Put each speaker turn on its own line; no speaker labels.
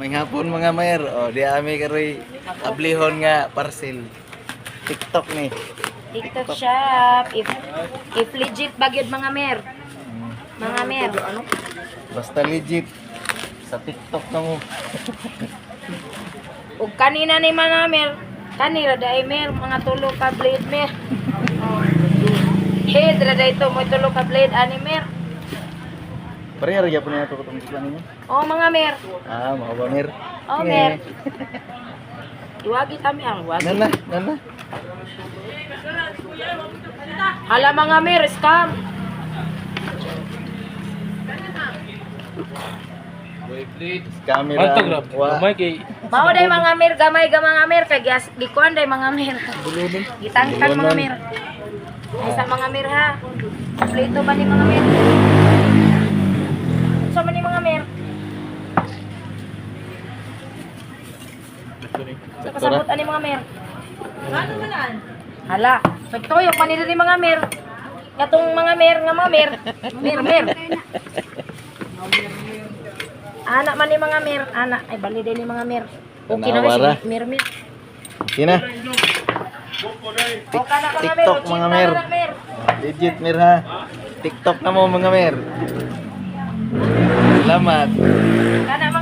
May hapon mga mayor. O, di ami karoy ablihon nga parcel. TikTok ni.
TikTok shop. If legit bagyod mga mer. Mga mer.
Basta legit. Sa TikTok na mo.
Ug kanina ni mga mer. Kanira dai mer mga tulo ka blade mer. Head ra dai to mo tulo ka blade ani mer.
Pareha rin po na ito kung gusto ninyo.
Oh mga mer.
Ah, mga bangir.
Oh mer. Iwagi kami ang wagi.
Nana, nana.
Hala mga mer scam.
Camera.
Mantag rap. Gamay kay
Mao day mga mer gamay ga mga mer kay gikuan day mga mer. Gitangtang mga mer. Ay sa mga mer ha. Plito ba ni mga mer? Sa man ni mga mer? Sa kasabot ani mga mer? Ano manan? Hala, nagtoyo pa nila ni mga mer. Katong mga mer nga mga mer. Mer. Anak man ni mga mer, anak ay bali din ni mga mer. Okay na
Tanawara.
si mer.
Sina?
O kana mga mer,
TikTok
o
mga
chita
mer.
na mer.
Legit mer ha. TikTok na mo mga mer. Salamat.
Kana